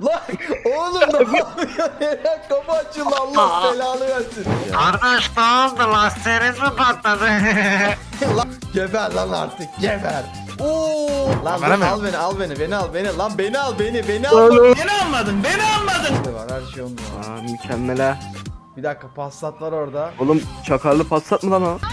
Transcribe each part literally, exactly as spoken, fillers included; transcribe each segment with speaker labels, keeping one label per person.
Speaker 1: Lan oğlum ne yapıyorsun? Eren kapı açıldı, Allah belanı versin.
Speaker 2: Kardeş ne oldu? Lastiğiniz mi patladı?
Speaker 1: Lan geber lan artık, geber. Oo. Lan dur,
Speaker 2: Bana
Speaker 1: al beni, al beni, beni al, beni. Lan beni al, beni, beni al. Beni almadın, beni almadın. Var her şey onda.
Speaker 3: Aa, mükemmel ha.
Speaker 1: Bir dakika, Passat var orada.
Speaker 3: Oğlum çakarlı Passat mı lan o?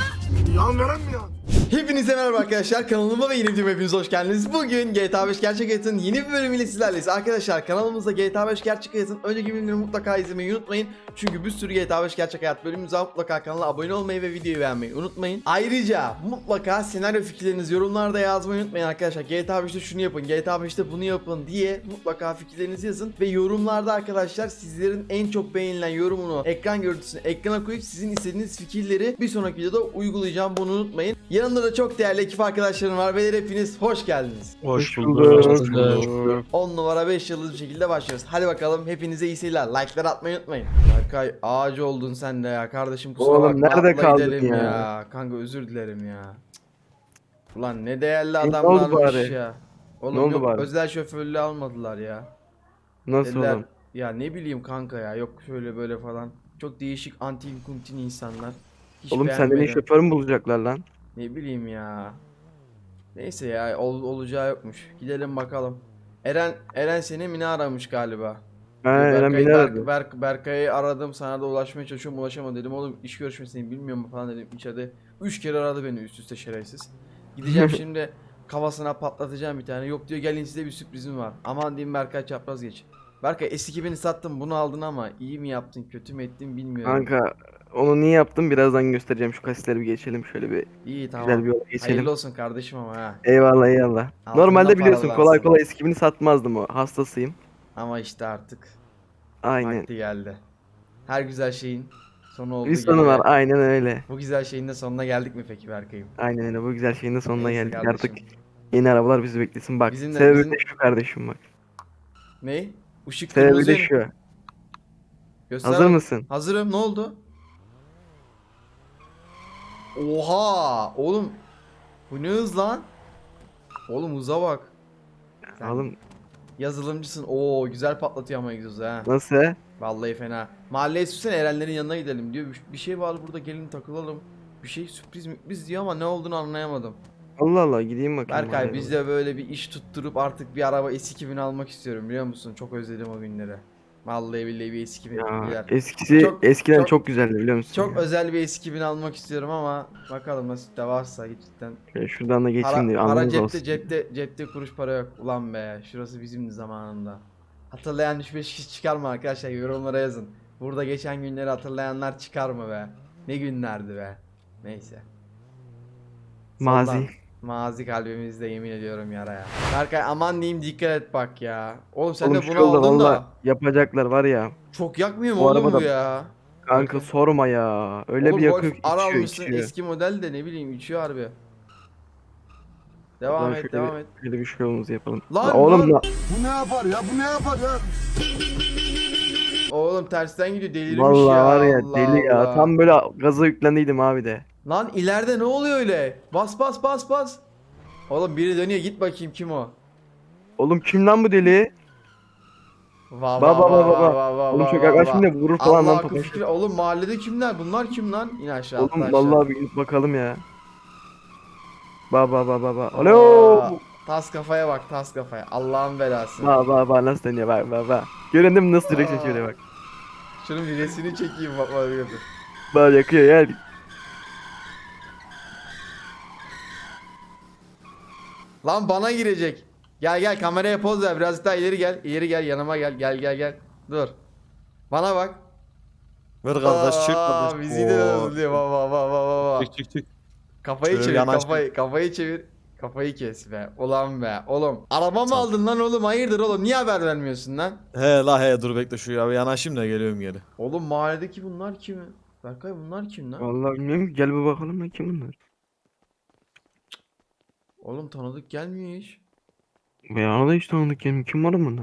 Speaker 1: Hepinize merhaba arkadaşlar, kanalıma ve yeni videoma hepiniz hoş geldiniz. Bugün G T A beş Gerçek Hayat'ın yeni bir bölümüyle sizlerleyiz. Arkadaşlar kanalımızda G T A beş Gerçek Hayat'ın önceki bölümleri mutlaka izlemeyi unutmayın. Çünkü bir sürü G T A beş Gerçek Hayat bölümümüz var. Mutlaka kanala abone olmayı ve videoyu beğenmeyi unutmayın. Ayrıca mutlaka senaryo fikirlerinizi yorumlarda yazmayı unutmayın arkadaşlar. G T A beşte şunu yapın, G T A beşte bunu yapın diye mutlaka fikirlerinizi yazın. Ve yorumlarda arkadaşlar sizlerin en çok beğenilen yorumunu, ekran görüntüsünü ekrana koyup sizin istediğiniz fikirleri bir sonraki videoda uygulayacağım, bunu unutmayın. Yanımda da çok değerli ekip arkadaşlarım var ve hepiniz hoş geldiniz.
Speaker 3: Hoş
Speaker 2: bulduk.
Speaker 1: on numara beş yıldız bir şekilde başlıyoruz. Hadi bakalım, hepinize iyi seyirler. Like'ları atmayı unutmayın. Berkay ağacı oldun sen de ya kardeşim, kusura
Speaker 3: Oğlum,
Speaker 1: bakma.
Speaker 3: nerede
Speaker 1: atla
Speaker 3: kaldın
Speaker 1: gidelim
Speaker 3: ya?
Speaker 1: Kanka özür dilerim ya. Cık. Ulan ne değerli
Speaker 3: oldu
Speaker 1: adamlarmış
Speaker 3: bari?
Speaker 1: ya. Oğlum
Speaker 3: Ne oldu
Speaker 1: yok,
Speaker 3: bari?
Speaker 1: özel şoförlüğü almadılar ya.
Speaker 3: Nasıl
Speaker 1: Dediler,
Speaker 3: oğlum?
Speaker 1: ya ne bileyim kanka ya, yok şöyle böyle falan. Çok değişik antin kuntin insanlar. Hiç
Speaker 3: Oğlum senden iyi
Speaker 1: beğenmedim.
Speaker 3: şoför mü bulacaklar lan?
Speaker 1: Ne bileyim ya. Neyse ya, ol, olacağı yokmuş. Gidelim bakalım. Eren Eren seni mi ne aramış galiba?
Speaker 3: Ha,
Speaker 1: Diyor,
Speaker 3: Eren
Speaker 1: Berkay'ı,
Speaker 3: beni
Speaker 1: Berk,
Speaker 3: aradı.
Speaker 1: Berk, Berkay'ı aradım, sana da ulaşmaya çalışıyorum, ulaşamadım dedim. Oğlum iş görüşmesini bilmiyor mu falan dedim içeride. Üç kere aradı beni üst üste, şerefsiz. Gideceğim şimdi kafasına patlatacağım bir tane. Yok diyor, gelin size bir sürprizim var. Aman diyeyim Berkay, çapraz geç. Berkay S iki bini sattım, bunu aldın ama iyi mi yaptın kötü mü ettin bilmiyorum.
Speaker 3: Kanka onu niye yaptım birazdan göstereceğim, şu kasisleri bir geçelim şöyle bir
Speaker 1: İyi tamam.
Speaker 3: güzel bir yola geçelim.
Speaker 1: Hayırlı olsun kardeşim ama ha.
Speaker 3: Eyvallah eyvallah.
Speaker 1: Altında
Speaker 3: Normalde biliyorsun
Speaker 1: paralansın.
Speaker 3: kolay kolay eskimini satmazdım, o hastasıyım.
Speaker 1: Ama işte artık
Speaker 3: Aynen.
Speaker 1: vakti geldi. Her güzel şeyin sonu olduğu
Speaker 3: Bir
Speaker 1: gibi.
Speaker 3: sonu var, aynen öyle.
Speaker 1: Bu güzel şeyin de sonuna geldik mi peki Berkay'ım?
Speaker 3: Aynen öyle, bu güzel şeyin de sonuna
Speaker 1: Neyse
Speaker 3: geldik
Speaker 1: kardeşim.
Speaker 3: artık. Yeni arabalar bizi beklesin bak.
Speaker 1: Bizim de-
Speaker 3: Sebebi
Speaker 1: bizim-
Speaker 3: de şu kardeşim bak.
Speaker 1: Ne? Işık
Speaker 3: Sebebi
Speaker 1: kırmızı.
Speaker 3: de şu.
Speaker 1: Göster
Speaker 3: Hazır
Speaker 1: bak-
Speaker 3: mısın?
Speaker 1: Hazırım. Ne oldu? Oha! Oğlum bu ne hız lan? Oğlum hıza bak. Sen
Speaker 3: Oğlum
Speaker 1: yazılımcısın. Oo güzel patlatıyor ama egzozu ha.
Speaker 3: nasıl?
Speaker 1: Vallahi fena. Mahalleye sürsene, Erenlerin yanına gidelim diyor. Bir- Bir şey var burada, gelin takılalım. Bir şey sürpriz mürpriz diyor ama ne olduğunu anlayamadım.
Speaker 3: Allah Allah, gideyim bakayım.
Speaker 1: Berkay
Speaker 3: oraya.
Speaker 1: biz de böyle bir iş tutturup artık bir araba S iki bin almak istiyorum, biliyor musun? Çok özledim o günleri. Vallahi billahi bir S iki bin
Speaker 3: Ya,
Speaker 1: gider.
Speaker 3: eskisi
Speaker 1: Çok-
Speaker 3: eskiden
Speaker 1: çok-
Speaker 3: çok, güzeldi biliyor musun?
Speaker 1: Çok
Speaker 3: ya?
Speaker 1: özel bir S iki bin almak istiyorum ama bakalım nasip de varsa cidden.
Speaker 3: Şöyle şuradan da geçeyim
Speaker 1: Para,
Speaker 3: de
Speaker 1: para
Speaker 3: anlamız
Speaker 1: cepte,
Speaker 3: olsun.
Speaker 1: cepte cepte kuruş para yok. Ulan be, şurası bizimdi zamanında. Hatırlayan üç beş kişi çıkar mı arkadaşlar, yorumlara yazın. Burada geçen günleri hatırlayanlar çıkar mı be? Ne günlerdi be. Neyse.
Speaker 3: Mazi.
Speaker 1: Soldan. Mazi kalbimizde, yemin ediyorum yaraya. Berkay aman diyeyim, dikkat et bak ya. Oğlum sen
Speaker 3: Oğlum
Speaker 1: de
Speaker 3: şu
Speaker 1: bunu
Speaker 3: yolda
Speaker 1: aldın
Speaker 3: valla
Speaker 1: da
Speaker 3: yapacaklar var ya.
Speaker 1: çok yakmıyor mu
Speaker 3: Bu
Speaker 1: oğlum bu
Speaker 3: arabada-
Speaker 1: ya?
Speaker 3: Kanka
Speaker 1: Berkay.
Speaker 3: sorma ya. Öyle
Speaker 1: Oğlum
Speaker 3: bir
Speaker 1: Golf
Speaker 3: yakıyor ki
Speaker 1: R
Speaker 3: içiyor
Speaker 1: almışsın,
Speaker 3: içiyor.
Speaker 1: eski model de ne bileyim içiyor harbi. Devam
Speaker 3: Ulan
Speaker 1: et
Speaker 3: şöyle
Speaker 1: devam
Speaker 3: bir,
Speaker 1: et.
Speaker 3: Şöyle bir şey yolumuzu yapalım.
Speaker 1: Lan,
Speaker 3: La oğlum
Speaker 1: lan.
Speaker 3: la.
Speaker 4: Bu ne yapar ya? Bu ne yapar ya?
Speaker 1: Oğlum tersten gidiyor, delirmiş
Speaker 3: Vallahi
Speaker 1: ya.
Speaker 3: var ya
Speaker 1: Allah
Speaker 3: deli ya.
Speaker 1: Allah.
Speaker 3: Tam böyle gaza yüklendiydim abi de.
Speaker 1: Lan ileride ne oluyor öyle? Bas bas bas bas. Oğlum biri dönüyor, git bakayım kim o?
Speaker 3: Oğlum kim lan bu deli?
Speaker 1: Va
Speaker 3: Baba,
Speaker 1: va va
Speaker 3: baba,
Speaker 1: va
Speaker 3: baba.
Speaker 1: va va
Speaker 3: Oğlum
Speaker 1: va
Speaker 3: çok
Speaker 1: va
Speaker 3: yaklaşmayın
Speaker 1: va.
Speaker 3: da vurur falan
Speaker 1: Allah
Speaker 3: lan
Speaker 1: akıl
Speaker 3: topaç.
Speaker 1: fikir. Oğlum mahallede kimler? Bunlar kim lan? İn aşağı, atla
Speaker 3: Oğlum
Speaker 1: aşağı.
Speaker 3: vallahi bir gidip bakalım ya. Baba baba baba.
Speaker 1: Aa,
Speaker 3: Alo.
Speaker 1: Tas kafaya bak, tas kafaya. Allah'ın belası.
Speaker 3: Baba baba nasıl dönüyor bak baba. Göründün mü nasıl direksiyon
Speaker 1: Aa.
Speaker 3: şöyle bak.
Speaker 1: Şunun bir resmini çekeyim bak bak gördüm.
Speaker 3: Bak yakıyor gel.
Speaker 1: Lan bana girecek. Gel gel, kameraya poz ver, biraz daha ileri gel. İleri gel, yanıma gel, gel gel gel. Dur. Bana bak.
Speaker 5: Ver kardeş çık
Speaker 1: Aa,
Speaker 5: kardeş.
Speaker 1: bizi de
Speaker 5: Oo.
Speaker 1: özlüyor. Va va va va va va.
Speaker 5: Çık çık çık.
Speaker 1: Kafayı
Speaker 5: Şöyle
Speaker 1: çevir,
Speaker 5: yanaş
Speaker 1: kafayı, kafayı çevir. Kafayı kes be. Ulan be. Oğlum araba mı aldın lan oğlum? Hayırdır oğlum? Niye haber vermiyorsun lan?
Speaker 5: He la he dur bekle şu ya bir yanaşayım da geliyorum geri.
Speaker 1: Oğlum mahalledeki bunlar kim? Berkay bunlar kim lan?
Speaker 3: Vallahi bilmiyorum ki, gel bir bakalım lan kim bunlar.
Speaker 1: Oğlum tanıdık gelmiyor hiç.
Speaker 3: Ya da hiç tanıdık kim kim var bunlar?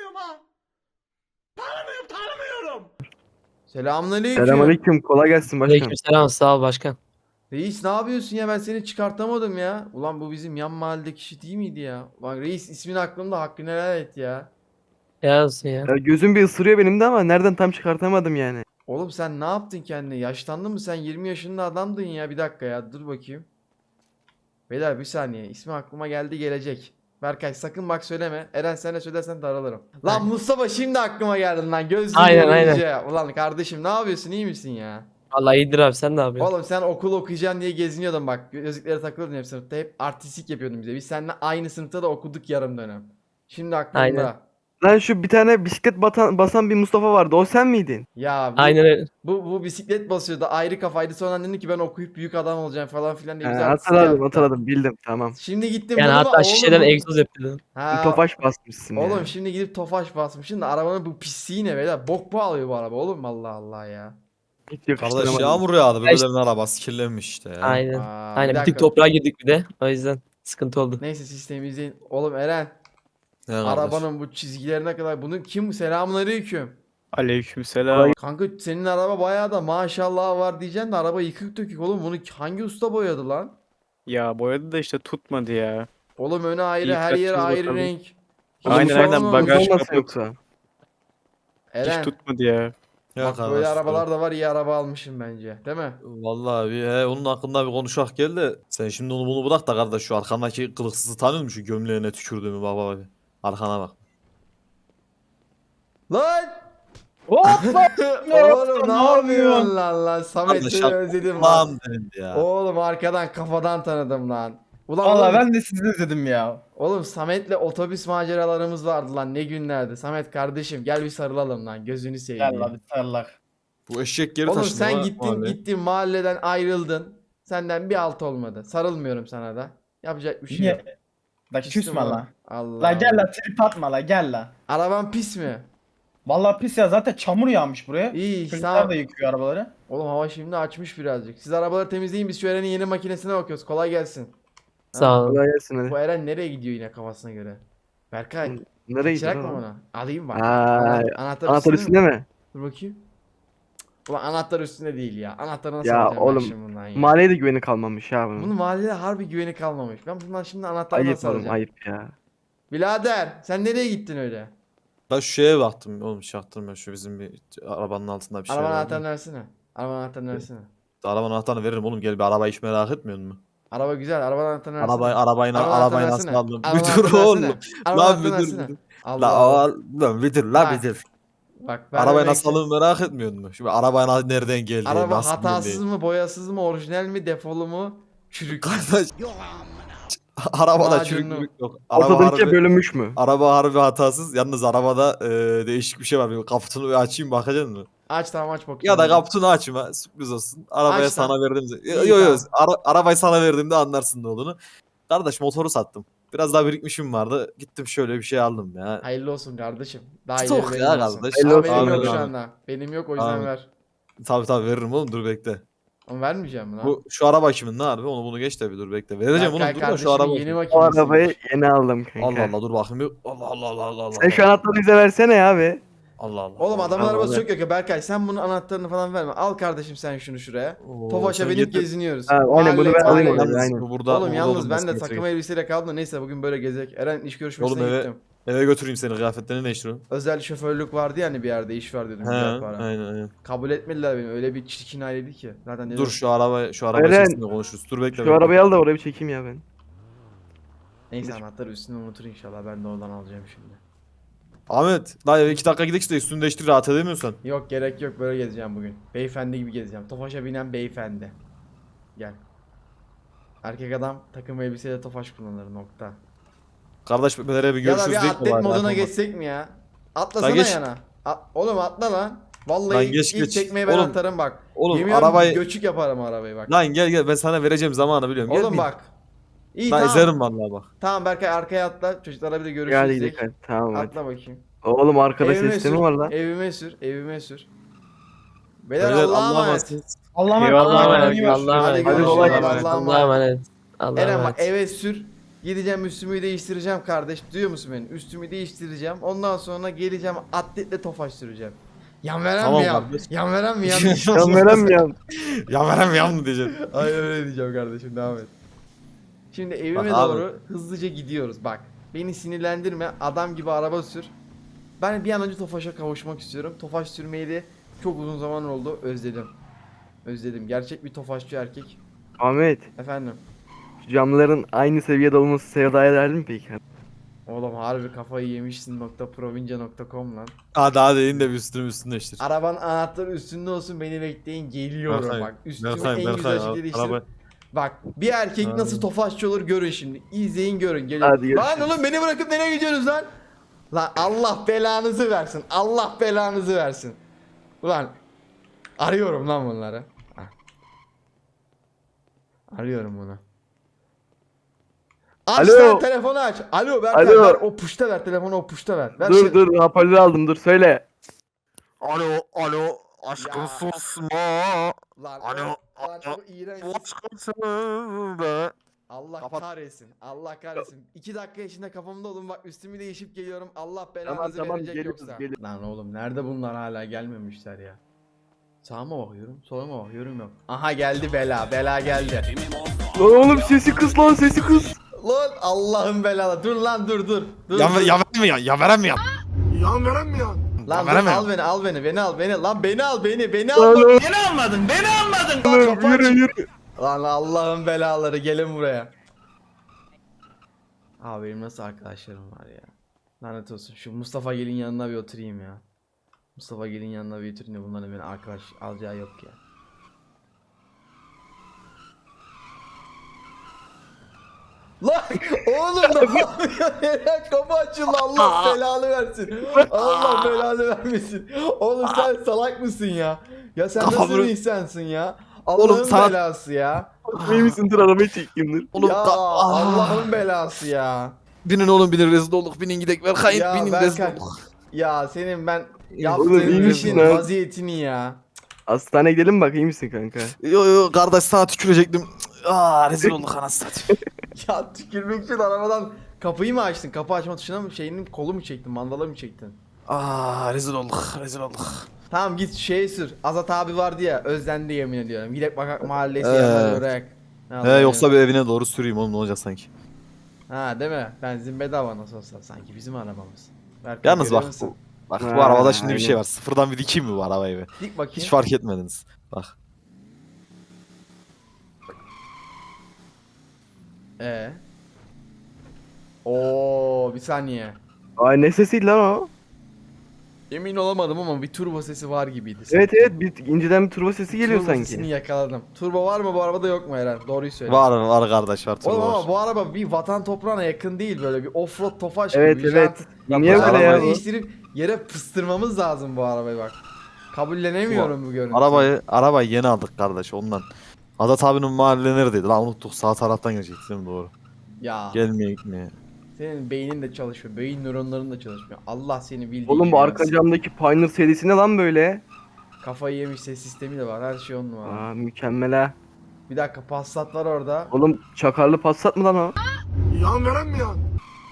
Speaker 1: Selamünaleyküm.
Speaker 3: Selamünaleyküm, kolay gelsin başkanım.
Speaker 6: Aleykümselam, sağ ol başkan.
Speaker 1: Reis ne yapıyorsun ya, ben seni çıkartamadım ya. Ulan bu bizim yan mahalledeki kişi değil miydi ya? Bak reis, ismin aklımda, hakkını helal et ya.
Speaker 6: Ya olsun ya.
Speaker 3: Ya gözüm bir ısırıyor benim de ama nereden tam çıkartamadım yani.
Speaker 1: Oğlum sen ne yaptın kendine? Yaşlandın mı sen? yirmi yaşında adamdın ya. Bir dakika ya. Dur bakayım. Beyler bir saniye. İsmi aklıma geldi gelecek. Berkay sakın bak söyleme. Eren sen de söylersen daralırım. Lan Mustafa şimdi aklıma geldin lan. Gözlüğü
Speaker 6: Aynen,
Speaker 1: görünce. Ulan kardeşim ne yapıyorsun? İyi misin ya?
Speaker 6: Vallahi iyidir abi, sen ne yapıyorsun?
Speaker 1: Oğlum sen okul okuyacaksın diye geziniyordun bak. Gözlüklere takılıyordun hep sınıfta. Hep artistik yapıyordun bize. Biz seninle aynı sınıfta da okuduk yarım dönem. Şimdi aklımda.
Speaker 6: Aynen.
Speaker 3: Lan şu bir tane bisiklet batan, basan bir Mustafa vardı. O sen miydin?
Speaker 1: Ya bu,
Speaker 6: Aynen öyle.
Speaker 1: bu, bu bisiklet basıyordu. Ayrı kafaydı. Sonra dedi ki ben okuyup büyük adam olacağım falan filan diye
Speaker 3: He,
Speaker 1: bize artistik
Speaker 3: hatırladım
Speaker 1: yaptı.
Speaker 3: hatırladım bildim tamam.
Speaker 1: Şimdi gittim
Speaker 6: Yani
Speaker 1: bunu
Speaker 6: hatta
Speaker 1: oğlum
Speaker 6: şişeden
Speaker 1: bu-
Speaker 6: egzoz yapıyordun.
Speaker 1: Ha,
Speaker 3: Tofaş basmışsın ya.
Speaker 1: Oğlum şimdi gidip Tofaş basmışsın da arabanın bu pisliği ne beyler? Bok mu alıyor bu araba oğlum Allah Allah ya.
Speaker 3: Hiç
Speaker 5: Kardeş
Speaker 3: yakıştıramadım.
Speaker 5: yağmur yağdı.
Speaker 6: Ya işte-
Speaker 5: Böylelerinin arabası kirlenmiş işte ya.
Speaker 6: Aynen.
Speaker 1: Aa,
Speaker 6: Aynen
Speaker 1: bir
Speaker 6: bir tık
Speaker 1: dakika.
Speaker 6: toprağa girdik bir de. O yüzden sıkıntı oldu.
Speaker 1: Neyse sistemi izleyin. Oğlum Eren
Speaker 5: Ne kardeş?
Speaker 1: arabanın bu çizgilerine kadar bunu kim selamünaleyküm.
Speaker 2: Aleykümselam.
Speaker 1: Kanka senin araba bayağı da maşallah var diyeceksin de araba yıkık dökük oğlum bunu hangi usta boyadı lan?
Speaker 2: Ya boyadı da işte tutmadı ya.
Speaker 1: Oğlum öne ayrı
Speaker 2: İyi
Speaker 1: her yer
Speaker 2: kaçırız
Speaker 1: ayrı
Speaker 2: bakalım.
Speaker 1: renk.
Speaker 2: Aynen,
Speaker 1: Hiç
Speaker 2: aynen,
Speaker 1: olmamış.
Speaker 2: bagaj
Speaker 3: Olmasa
Speaker 2: kaput.
Speaker 3: yoksa.
Speaker 1: Eren
Speaker 2: Hiç tutmadı ya.
Speaker 5: Ya
Speaker 1: bak
Speaker 5: kardeş,
Speaker 1: böyle arabalar da var iyi araba almışım bence değil mi?
Speaker 5: Vallahi bir he, onun hakkında bir konuşak gel de sen şimdi onu bunu bırak da kardeş şu arkandaki kılıksızı tanıyor musun? Şu gömleğine tükürdüğümü bak bak bak. Arkana bak.
Speaker 1: Lan!
Speaker 2: Hoppa!
Speaker 1: Oğlum ne
Speaker 2: Ne
Speaker 1: yapıyorsun
Speaker 2: yapıyorsun?
Speaker 1: lan lan? Samet
Speaker 5: Kardeş,
Speaker 1: seni özledim lan.
Speaker 5: Allah'ım dedim ya.
Speaker 1: Oğlum arkadan kafadan tanıdım lan. Ulan
Speaker 7: Valla
Speaker 1: oğlum,
Speaker 7: ben de sizi özledim ya.
Speaker 1: oğlum Samet'le otobüs maceralarımız vardı lan ne günlerdi. Samet kardeşim gel bir sarılalım lan gözünü seveyim.
Speaker 7: Gel abi sarılak.
Speaker 5: Bu eşek geri
Speaker 1: Oğlum
Speaker 5: taşındı
Speaker 1: sen
Speaker 5: lan
Speaker 1: gittin
Speaker 5: abi.
Speaker 1: gittin mahalleden ayrıldın. Senden bir alt olmadı. Sarılmıyorum sana da. Yapacak bir şey yok.
Speaker 7: Niye? La
Speaker 1: Küstüm
Speaker 7: küsme
Speaker 1: ona.
Speaker 7: la.
Speaker 1: Allah.
Speaker 7: La gel
Speaker 1: Allah.
Speaker 7: la trip atma la gel la.
Speaker 1: Araban pis mi?
Speaker 7: Valla pis ya zaten çamur yağmış buraya.
Speaker 1: İyi
Speaker 7: Çocuklar
Speaker 1: sağ
Speaker 7: da yıkıyor arabaları.
Speaker 1: Oğlum hava şimdi açmış birazcık. Siz arabaları temizleyin biz şu Eren'in yeni makinesine bakıyoruz. Kolay gelsin.
Speaker 6: Sağ ol.
Speaker 3: Kolay gelsin hadi.
Speaker 1: Bu Eren nereye gidiyor yine kafasına göre? Berkay.
Speaker 3: Nereye
Speaker 1: Kaçırak
Speaker 3: gidiyorsun
Speaker 1: mı
Speaker 3: lan?
Speaker 1: ona? Alayım bak.
Speaker 3: Aa,
Speaker 1: Ana- anahtar,
Speaker 3: Anahtar üstünde mi?
Speaker 1: Dur bakayım. Ulan anahtar üstünde değil ya. Anahtarı nasıl
Speaker 3: Ya
Speaker 1: alacağım ben
Speaker 3: oğlum,
Speaker 1: şimdi bundan ya?
Speaker 3: Mahalleye de güveni kalmamış ya bunun.
Speaker 1: Bunun mahallede harbi güveni kalmamış. Ben bundan şimdi anahtarı
Speaker 3: Ayıp
Speaker 1: nasıl
Speaker 3: oğlum
Speaker 1: alacağım?
Speaker 3: ayıp ya.
Speaker 1: Birader sen nereye gittin öyle?
Speaker 5: Ben şu şeye baktım oğlum çaktırma şu bizim bir arabanın altında bir şey
Speaker 1: Araba
Speaker 5: var.
Speaker 1: anahtarını versene. Araba anahtarını versene.
Speaker 5: Arabanın anahtarını veririm oğlum gel bir arabayı hiç merak etmiyor musun?
Speaker 1: Araba güzel. Araba anahtarını versene.
Speaker 5: Arabayı arabayı
Speaker 1: Araba
Speaker 5: arabayı
Speaker 1: anahtarını
Speaker 5: nasıl
Speaker 1: versene.
Speaker 5: aldım?
Speaker 1: Araba
Speaker 5: Bir dur
Speaker 1: anahtarını
Speaker 5: oğlum.
Speaker 1: versene. Araba
Speaker 5: Lan
Speaker 1: anahtarını
Speaker 5: bir dur.
Speaker 1: versene.
Speaker 5: bir dur.
Speaker 1: Allah
Speaker 5: La
Speaker 1: Allah.
Speaker 5: al- lan bir dur la
Speaker 1: Ha.
Speaker 5: bir dur.
Speaker 1: Bak ben
Speaker 5: Arabayı
Speaker 1: demek
Speaker 5: nasıl
Speaker 1: ki-
Speaker 5: aldığımı merak etmiyor musun? Şimdi arabayı na- nereden geldi?
Speaker 1: Araba
Speaker 5: nasıl
Speaker 1: hatasız
Speaker 5: geldi?
Speaker 1: mı, boyasız mı, orijinal mi, defolu mu, çürük.
Speaker 5: Kardeş. Arabada
Speaker 1: Macunlu.
Speaker 5: çürüklük yok. Araba
Speaker 3: Ortadaki
Speaker 5: harbi,
Speaker 3: bölünmüş mü?
Speaker 5: araba harbi hatasız. Yalnız arabada e, değişik bir şey var. Bir kaputunu bir açayım bakacaksın mı?
Speaker 1: Aç tamam aç bakayım.
Speaker 5: Ya da kaputunu açma. Sürpriz olsun. Arabaya
Speaker 1: Aç
Speaker 5: sana
Speaker 1: lan.
Speaker 5: verdiğimde. Yok
Speaker 1: İyi,
Speaker 5: yok.
Speaker 1: tamam.
Speaker 5: Ara, arabayı sana verdiğimde anlarsın ne olduğunu. Kardeş motoru sattım. Biraz daha birikmişim vardı. Gittim şöyle bir şey aldım ya.
Speaker 1: Hayırlı olsun kardeşim. Daha
Speaker 5: Stok
Speaker 1: ileri
Speaker 5: ya
Speaker 1: benim olsun.
Speaker 5: kardeş.
Speaker 1: Ama
Speaker 3: Hayırlı
Speaker 1: benim
Speaker 3: olsun.
Speaker 1: yok şu
Speaker 5: Amin,
Speaker 1: anda. Benim yok o yüzden
Speaker 5: Amin.
Speaker 1: ver.
Speaker 5: Tabii tabii veririm oğlum dur bekle.
Speaker 1: Ama vermeyeceğim mi lan?
Speaker 5: Bu şu araba kimin ne harbi onu bunu geç de bir dur bekle. Vereceğim
Speaker 1: Berkay
Speaker 5: oğlum dur da
Speaker 1: kardeşimin
Speaker 5: şu araba.
Speaker 1: yeni
Speaker 3: O
Speaker 1: makinesi.
Speaker 3: arabayı yeni aldım kanka.
Speaker 5: Allah Allah dur bakayım bir. Allah Allah Allah Allah Allah.
Speaker 3: Sen şu anahtarı bize versene ya abi.
Speaker 5: Allah Allah.
Speaker 1: Oğlum adamın
Speaker 3: Allah
Speaker 1: arabası
Speaker 3: Allah.
Speaker 1: çok yok ya Berkay sen bunun anahtarını falan verme. Al kardeşim sen şunu şuraya.
Speaker 5: Oo,
Speaker 1: Tofaş'a
Speaker 5: sen
Speaker 1: binip
Speaker 5: getir.
Speaker 1: geziniyoruz.
Speaker 3: Ha, aynen, bunu
Speaker 1: Mahalle-
Speaker 3: ben alayım
Speaker 1: mahalle-
Speaker 3: oradan,
Speaker 5: Yalnız
Speaker 3: aynen.
Speaker 5: bu burada,
Speaker 1: Oğlum
Speaker 5: burada
Speaker 1: yalnız
Speaker 5: olması
Speaker 1: ben de
Speaker 5: gerekiyor.
Speaker 1: takım elbiseyle kaldım da neyse bugün böyle gezek. Eren iş görüşmesine
Speaker 5: Oğlum eve-
Speaker 1: gittim.
Speaker 5: Eve götüreyim seni kıyafetlerini değiştiriyorum.
Speaker 1: Özel şoförlük vardı ya hani bir yerde iş var dedim
Speaker 5: He
Speaker 1: güzel para.
Speaker 5: aynen aynen.
Speaker 1: Kabul etmediler beni öyle bir çirkin aileydi ki. Zaten dedim,
Speaker 5: Dur şu araba şu araba
Speaker 3: Eren,
Speaker 5: içerisinde konuşuruz. Dur bekle.
Speaker 3: Şu
Speaker 5: bekle.
Speaker 3: arabayı al da oraya bir çekeyim ya ben.
Speaker 1: Neyse anahtarı üstüne unutur inşallah ben de oradan alacağım şimdi.
Speaker 5: Ahmet, la eve iki dakika gidelim işte üstünü değiştir rahat edemiyorsan.
Speaker 1: Yok gerek yok böyle gezeceğim bugün. Beyefendi gibi gezeceğim. Tofaş'a binen beyefendi. Gel. Erkek adam takım elbiseyle Tofaş kullanır nokta.
Speaker 5: Kardeş nereye bir
Speaker 1: Ya da
Speaker 5: görüşürüz
Speaker 1: bir
Speaker 5: değil
Speaker 1: atlet
Speaker 5: mi?
Speaker 1: moduna geçsek mi ya? Atlasana
Speaker 5: Lan geç.
Speaker 1: yana. A- Oğlum atla lan. Vallahi
Speaker 5: Lan
Speaker 1: ilk,
Speaker 5: geç,
Speaker 1: ilk
Speaker 5: geç.
Speaker 1: çekmeyi ben
Speaker 5: Oğlum,
Speaker 1: atarım bak.
Speaker 5: Oğlum
Speaker 1: Yemin ediyorum
Speaker 5: arabayı...
Speaker 1: göçük yaparım arabayı bak.
Speaker 5: Lan gel gel ben sana vereceğim zamanı biliyorum. Gel
Speaker 1: Oğlum
Speaker 5: bin.
Speaker 1: bak. İyi
Speaker 5: Lan
Speaker 1: tamam.
Speaker 5: ezerim vallahi bak.
Speaker 1: Tamam Berkay arkaya atla. Çocuklarla bir de görüşürüz.
Speaker 3: Hadi
Speaker 1: diyecek.
Speaker 3: gidelim hadi. Tamam hadi.
Speaker 1: Atla bakayım.
Speaker 3: Oğlum arkada
Speaker 1: Evime
Speaker 3: sistemi
Speaker 1: sür,
Speaker 3: var lan.
Speaker 1: Evime sür, evime sür. Beyler
Speaker 5: Beyler,
Speaker 1: Allah'a
Speaker 5: Allah'a
Speaker 1: emanet.
Speaker 5: emanet.
Speaker 7: Allah'a emanet.
Speaker 6: Eyvallah
Speaker 7: Allah'a
Speaker 6: emanet.
Speaker 7: emanet.
Speaker 6: Allah'a
Speaker 1: Hadi
Speaker 6: emanet.
Speaker 1: görüşürüz.
Speaker 3: kolay
Speaker 1: Allah'a
Speaker 3: gelsin.
Speaker 1: emanet.
Speaker 6: Allah'a emanet. Allah'a
Speaker 1: Eren bak
Speaker 6: emanet.
Speaker 1: eve sür. Gideceğim üstümü değiştireceğim kardeş. Duyuyor musun beni? Üstümü değiştireceğim. Ondan sonra geleceğim atletle Tofaş süreceğim. Yan veren
Speaker 5: Tamam
Speaker 1: mi yan?
Speaker 5: kardeş.
Speaker 1: Yan veren mi yan?
Speaker 3: Yan verem yan.
Speaker 5: Ya verem ya mı diyeceksin?
Speaker 1: Ay öyle diyeceğim kardeşim devam et. Şimdi evime
Speaker 5: Bak abi.
Speaker 1: doğru hızlıca gidiyoruz bak. Beni sinirlendirme. Adam gibi araba sür. Ben bir an önce Tofaş'a kavuşmak istiyorum. Tofaş sürmeyi de çok uzun zaman oldu. Özledim. Özledim. Gerçek bir Tofaşçı erkek.
Speaker 3: Ahmet,
Speaker 1: Efendim.
Speaker 3: şu camların aynı seviyede olması sevda eder mi peki?
Speaker 1: Oğlum harbi kafayı yemişsin nokta province nokta com lan.
Speaker 5: Hadi hadi in de bir üstünü üstünü değiştir.
Speaker 1: Arabanın anahtarı üstünde olsun, beni bekleyin, geliyorum
Speaker 5: Berkay,
Speaker 1: bak. Üstümü
Speaker 5: Berkay,
Speaker 1: en güzel
Speaker 5: Berkay,
Speaker 1: şekilde değiştirip.
Speaker 5: araba-
Speaker 1: Bak bir erkek
Speaker 5: Abi.
Speaker 1: nasıl Tofaşçı olur görün şimdi. İzleyin görün. Gelin.
Speaker 3: Hadi
Speaker 1: Lan
Speaker 3: görüşürüz.
Speaker 1: oğlum beni bırakıp nereye gidiyorsunuz lan? Lan Allah belanızı versin. Allah belanızı versin. Ulan arıyorum lan bunları. Hah. Arıyorum bunu. Aç
Speaker 3: Alo.
Speaker 1: lan telefonu aç. Alo Berkay
Speaker 3: Alo.
Speaker 1: ver o puşta ver telefonu, o puşta ver. ver
Speaker 3: Dur
Speaker 1: şey-
Speaker 3: dur hoparlör aldım dur söyle.
Speaker 8: Alo, alo, aşkım
Speaker 1: Ya.
Speaker 8: susma.
Speaker 1: Lan,
Speaker 8: Alo,
Speaker 1: o, lan
Speaker 8: alo.
Speaker 1: o iğrenç.
Speaker 8: Aşkım söyle.
Speaker 1: Allah
Speaker 8: Kapat.
Speaker 1: kahretsin. Allah kahretsin. İki dakika içinde kafamda olun, bak üstümü değişip geliyorum. Allah
Speaker 3: Tamam
Speaker 1: belanızı
Speaker 3: tamam
Speaker 1: verecek
Speaker 3: geliyoruz
Speaker 1: yoksa.
Speaker 3: geliyoruz.
Speaker 1: Lan oğlum nerede bunlar, hala gelmemişler ya. Sağa mı bakıyorum, sola mı bakıyorum, yok. Aha geldi bela, bela geldi.
Speaker 3: Lan oğlum sesi kız lan sesi kız.
Speaker 1: Lan Allah'ın belalı. Dur lan dur dur. Dur,
Speaker 5: Ya,
Speaker 1: dur.
Speaker 5: ya veremiyor, ya veremiyor.
Speaker 4: Yan veren mi yan?
Speaker 1: Lan dur,
Speaker 5: veremem.
Speaker 1: al beni al beni beni al beni. Lan beni al beni beni al.
Speaker 3: Lan
Speaker 1: Bak,
Speaker 3: oğlum.
Speaker 1: Beni almadın beni almadın. Lan
Speaker 3: Oğlum,
Speaker 1: kapı
Speaker 3: yürü
Speaker 1: aç.
Speaker 3: yürü.
Speaker 1: Lan Allah'ın belaları, gelin buraya. Abi benim nasıl arkadaşlarım var ya. Lanet olsun. Şu Mustafa Gelin yanına bir oturayım ya. Mustafa Gelin yanına bir oturayım da bunların beni arkadaş alacağı yok ya. Lan oğlum ne yapıyorsun? Eren kapı açıldı, Allah belanı versin. Allah belanı vermesin. Oğlum sen salak mısın ya? Ya sen
Speaker 5: Kafamı-
Speaker 1: nasıl bir insansın ya? Allah'ın
Speaker 5: Oğlum sana-
Speaker 1: belası ya.
Speaker 3: İyi misin dur arabayı çekeyim dur.
Speaker 5: Oğlum
Speaker 1: ya
Speaker 5: da- Ah.
Speaker 1: Allah'ın belası ya.
Speaker 5: Binin oğlum binin, rezil olduk, binin gidek Berkay,
Speaker 1: Ya
Speaker 5: binin
Speaker 1: Berkay.
Speaker 5: rezil olduk.
Speaker 1: Ya senin ben
Speaker 3: Oğlum,
Speaker 1: yaptığın
Speaker 3: iyi
Speaker 1: işin
Speaker 3: misin lan?
Speaker 1: vaziyetini ya.
Speaker 3: Hastaneye gidelim bak iyi misin kanka?
Speaker 5: Yo yo kardeş, sana tükürecektim. Aa rezil olduk anasını satayım.
Speaker 1: Ya tükürmek için arabadan kapıyı mı açtın? Kapı açma tuşuna mı, şeyinin kolu mu çektin? Mandala mı çektin?
Speaker 5: Aa rezil olduk, rezil olduk.
Speaker 1: Tamam git şeye sür. Azat abi vardı ya, özlendi yemin ediyorum. Gidek bakak mahallesi
Speaker 5: Evet.
Speaker 1: yanına göreek.
Speaker 5: He yoksa bir evine doğru süreyim oğlum, ne olacak sanki.
Speaker 1: Ha değil mi? Benzin bedava nasıl olsa, sanki bizim arabamız. Berkay,
Speaker 5: Yalnız
Speaker 1: görüyor
Speaker 5: bak
Speaker 1: musun?
Speaker 5: bu, bak
Speaker 3: Ha,
Speaker 5: bu arabada şimdi bir şey
Speaker 3: aynen.
Speaker 5: var. Sıfırdan bir dikeyim mi bu arabayı be?
Speaker 1: Dik bakayım.
Speaker 5: Hiç fark etmediniz. Bak.
Speaker 1: Ee. Oo bir saniye.
Speaker 3: Ay ne sesiydi lan o?
Speaker 1: Emin olamadım ama bir turbo sesi var gibiydi.
Speaker 3: Evet evet bir inceden bir turbo sesi geliyor
Speaker 1: Turbo
Speaker 3: sanki.
Speaker 1: sesini yakaladım. Turbo var mı bu arabada, yok mu Eren? Doğruyu söyle.
Speaker 5: Var var kardeş, var.
Speaker 1: Oğlum
Speaker 5: turbo
Speaker 1: ama
Speaker 5: var.
Speaker 1: bu araba bir vatan toprağına yakın değil, böyle bir offroad Tofaş
Speaker 3: Evet
Speaker 1: gibi.
Speaker 3: evet.
Speaker 1: Ya
Speaker 3: Niye
Speaker 1: bu
Speaker 3: böyle
Speaker 1: arabayı
Speaker 3: ya bu?
Speaker 1: değiştirip yere pıstırmamız lazım bu arabayı bak. Kabullenemiyorum bu görüntüyü.
Speaker 5: Arabayı arabayı yeni aldık kardeş ondan. Azat abinin mahalle neredeydi lan, unuttuk, sağ taraftan gelecektik değil mi, doğru.
Speaker 1: Ya
Speaker 5: Gelmeye gitmeye.
Speaker 1: senin beynin de çalışmıyor. Beyin nöronların da çalışmıyor. Allah seni bildiği
Speaker 3: Oğlum
Speaker 1: gibi
Speaker 3: bu arka
Speaker 1: versin.
Speaker 3: camdaki Pioneer serisi ne lan böyle?
Speaker 1: Kafayı yemiş, ses sistemi de var. Her şey on numara.
Speaker 3: Aa mükemmel ha.
Speaker 1: Bir dakika, Passat var orada.
Speaker 3: Oğlum çakarlı Passat mı lan o?
Speaker 4: Yan veren mi yan?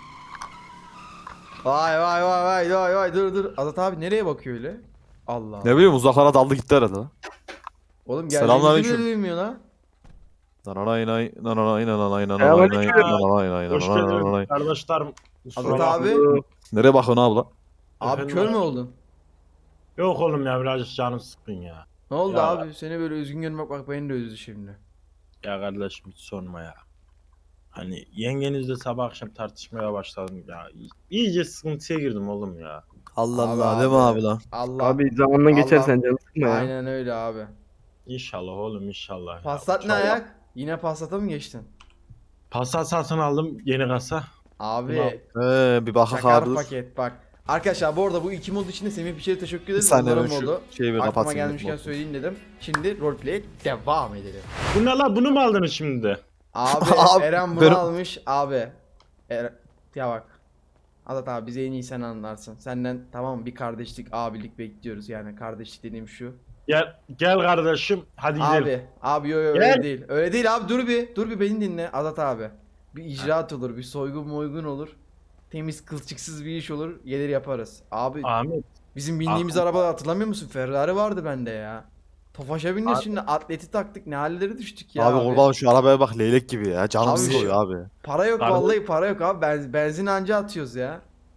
Speaker 1: Vay vay vay vay vay vay, dur dur. Azat abi nereye bakıyor öyle? Allah.
Speaker 5: Ne bileyim, uzaklara daldı gitti herhalde lan.
Speaker 1: Oğlum
Speaker 5: Selamünaleyküm.
Speaker 1: geldiğimizi bile duymuyor lan.
Speaker 5: Nananay nay nananay nananay nananay
Speaker 3: Selamünaleyküm.
Speaker 5: nay nananay nay
Speaker 9: Hoş
Speaker 5: nananay
Speaker 9: geldin
Speaker 5: nananay.
Speaker 9: kardeşlerim. Kusura
Speaker 1: Azat
Speaker 9: bakma.
Speaker 1: abi.
Speaker 5: Nereye bakıyorsun abla?
Speaker 1: Abi
Speaker 9: Efendim
Speaker 1: kör
Speaker 9: abi?
Speaker 1: mü oldun?
Speaker 9: Yok oğlum ya, birazcık canım sıkkın ya.
Speaker 1: Ne oldu
Speaker 9: Ya.
Speaker 1: abi? Seni böyle üzgün görmek bak beni de üzdü şimdi.
Speaker 9: Ya kardeşim hiç sorma ya. Hani yengenizle sabah akşam tartışmaya başladım ya. İyice sıkıntıya girdim oğlum ya.
Speaker 5: Allah
Speaker 1: Abi,
Speaker 5: Allah değil mi
Speaker 1: abi.
Speaker 5: abi lan?
Speaker 1: Allah.
Speaker 3: Abi zamanla geçer
Speaker 1: Allah-
Speaker 3: sen canım sıkma ya.
Speaker 1: Aynen öyle abi.
Speaker 9: İnşallah oğlum inşallah. ya.
Speaker 1: Passat ne
Speaker 9: Çok-
Speaker 1: ayak? Yine Passat'a mı geçtin?
Speaker 9: Passat satın aldım yeni kasa.
Speaker 1: Abi
Speaker 5: Ee, bir bakak
Speaker 1: şakar
Speaker 5: abi.
Speaker 1: paket bak. Arkadaşlar bu arada bu iki mod için de Semih Biçer'e teşekkür
Speaker 5: Bir
Speaker 1: ederiz.
Speaker 5: saniye ben
Speaker 1: Onların
Speaker 5: şu
Speaker 1: modu.
Speaker 5: şeyi bir
Speaker 1: Aklıma
Speaker 5: kapatayım.
Speaker 1: gelmişken söyleyeyim dedim. Şimdi roleplay'e devam edelim.
Speaker 9: Bu ne la, bunu mu aldınız şimdi de?
Speaker 1: Abi,
Speaker 5: Abi,
Speaker 1: Eren bunu
Speaker 5: benim-
Speaker 1: almış abi. Er ya bak. Azat abi bize en iyi sen anlarsın. Senden tamam mı, bir kardeşlik abilik bekliyoruz, yani kardeşlik dediğim şu.
Speaker 9: Gel, gel kardeşim hadi gidelim.
Speaker 1: Abi abi yo yo
Speaker 9: Gel.
Speaker 1: öyle değil. Öyle değil abi, dur bir. Dur bir beni dinle Azat abi. Bir icraat olur, bir soygun moygun olur. Temiz kılçıksız bir iş olur. Gelir yaparız. Abi
Speaker 9: Ahmet.
Speaker 1: bizim bindiğimiz
Speaker 9: Aklım-
Speaker 1: araba hatırlamıyor musun? Ferrari vardı bende ya. Tofaş'a biniyoruz şimdi, atleti taktık, ne hallere düştük ya
Speaker 5: Abi
Speaker 1: abi.
Speaker 5: kurban şu arabaya bak, leylek gibi ya. Canım
Speaker 1: Abi şu-
Speaker 5: sıkılıyor abi.
Speaker 1: Para yok
Speaker 9: Kardeş-
Speaker 1: vallahi, para yok abi. Benz, benzin anca atıyoruz ya.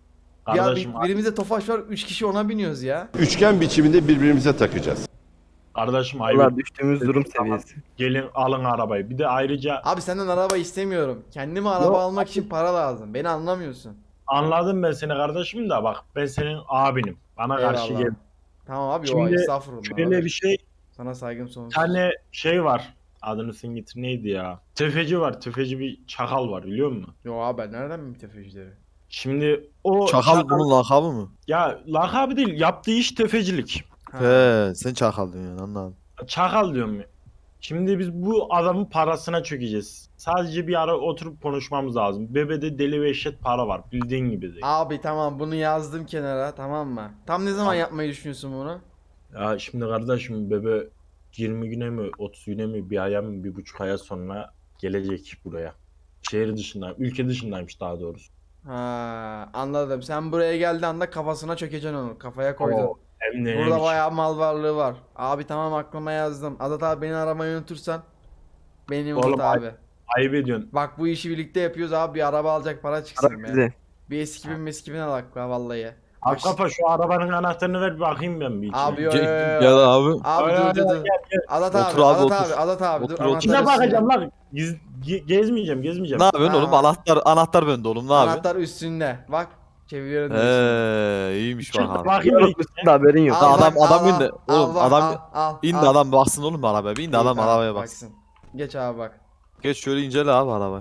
Speaker 1: Ya
Speaker 9: Kardeşim,
Speaker 1: bir, birimizde Tofaş var, üç kişi ona biniyoruz ya.
Speaker 10: Üçgen biçiminde birbirimize takacağız.
Speaker 9: kardeşim ayıp.
Speaker 3: Valla düştüğümüz durum seviyesi.
Speaker 9: Gelin alın arabayı. Bir de ayrıca
Speaker 1: Abi senden araba istemiyorum. Kendime araba
Speaker 9: Yok.
Speaker 1: almak için para lazım. Beni anlamıyorsun.
Speaker 9: anladım ben seni kardeşim da bak ben senin abinim. Bana karşı
Speaker 1: Eyvallah.
Speaker 9: gel.
Speaker 1: Tamam abi, o
Speaker 9: Şimdi
Speaker 1: estağfurullah.
Speaker 9: Şöyle
Speaker 1: abi.
Speaker 9: bir şey,
Speaker 1: Sana saygım sonsuz.
Speaker 9: bir tane şey var. Adını sen getir neydi ya? Tefeci var. Tefeci bir çakal var biliyor musun?
Speaker 1: Yo abi, ben nereden bileyim tefecileri?
Speaker 9: Şimdi o
Speaker 5: Çakal bunun lakabı mı?
Speaker 9: ya lakabı değil yaptığı iş tefecilik.
Speaker 1: Ha.
Speaker 5: He, sen çakal diyorsun anladım.
Speaker 9: Çakal diyorum ya. Şimdi biz bu adamın parasına çökeceğiz. Sadece bir ara oturup konuşmamız lazım. Bebede deli ve eşit para var. Bildiğin gibi değil.
Speaker 1: Abi tamam, bunu yazdım kenara, tamam mı? Tam ne zaman
Speaker 9: Tamam.
Speaker 1: yapmayı düşünüyorsun bunu?
Speaker 9: Ya şimdi kardeşim bebe yirmi güne mi otuz güne mi bir aya mı bir buçuk aya sonra gelecek buraya. Şehir dışında, ülke dışındaymış daha doğrusu.
Speaker 1: Ha, anladım. Sen buraya geldiği anda kafasına çökeceksin onu. Kafaya koydun.
Speaker 9: Oo, hem de
Speaker 1: Burada
Speaker 9: neymiş?
Speaker 1: bayağı mal varlığı var. Abi tamam, aklıma yazdım. Azat abi, beni aramayı unutursan beni unut
Speaker 9: Oğlum,
Speaker 1: abi.
Speaker 9: Ayıp ediyorsun.
Speaker 1: Bak bu işi birlikte yapıyoruz abi, bir araba alacak para çıksın
Speaker 3: Bırak
Speaker 1: be.
Speaker 3: bize.
Speaker 1: Bir eski bin meski bin alak la vallahi.
Speaker 9: Abi
Speaker 1: Bak-
Speaker 9: kafa şu arabanın anahtarını ver bir bakayım ben bir içine.
Speaker 1: Abi yo,
Speaker 5: Gel,
Speaker 1: yo, yo.
Speaker 5: gel abi.
Speaker 1: Abi
Speaker 9: Ay,
Speaker 1: dur
Speaker 9: ay,
Speaker 1: dur
Speaker 9: ay,
Speaker 1: dur.
Speaker 9: gel, gel.
Speaker 1: Azat
Speaker 5: Otur
Speaker 1: abi,
Speaker 5: abi,
Speaker 1: Azat
Speaker 5: otur.
Speaker 1: abi, Azat abi dur.
Speaker 5: Otur, otur.
Speaker 1: anahtarı
Speaker 9: İçine
Speaker 1: üstüne.
Speaker 9: bakacağım lan. Giz, ge- gezmeyeceğim gezmeyeceğim.
Speaker 5: Ne yapıyorsun
Speaker 1: Ha.
Speaker 5: oğlum? Anahtar anahtar bende oğlum, ne yapıyorsun?
Speaker 1: Anahtar üstünde. Bak çeviriyorum. diyorsun.
Speaker 5: He, iyiymiş
Speaker 9: Çık
Speaker 5: bak abi.
Speaker 9: bakayım.
Speaker 3: Unutmuşsun da haberin yok.
Speaker 5: Al. adam-
Speaker 1: bak,
Speaker 5: adam
Speaker 1: al,
Speaker 5: indi.
Speaker 1: al,
Speaker 5: Oğlum,
Speaker 1: al,
Speaker 5: adam-
Speaker 1: al, al,
Speaker 5: İn de
Speaker 1: al.
Speaker 5: adam baksın oğlum arabaya. Bir in de
Speaker 1: İyi,
Speaker 5: adam
Speaker 1: tamam,
Speaker 5: arabaya baksın.
Speaker 1: Geç abi bak.
Speaker 5: Geç şöyle incele abi arabayı.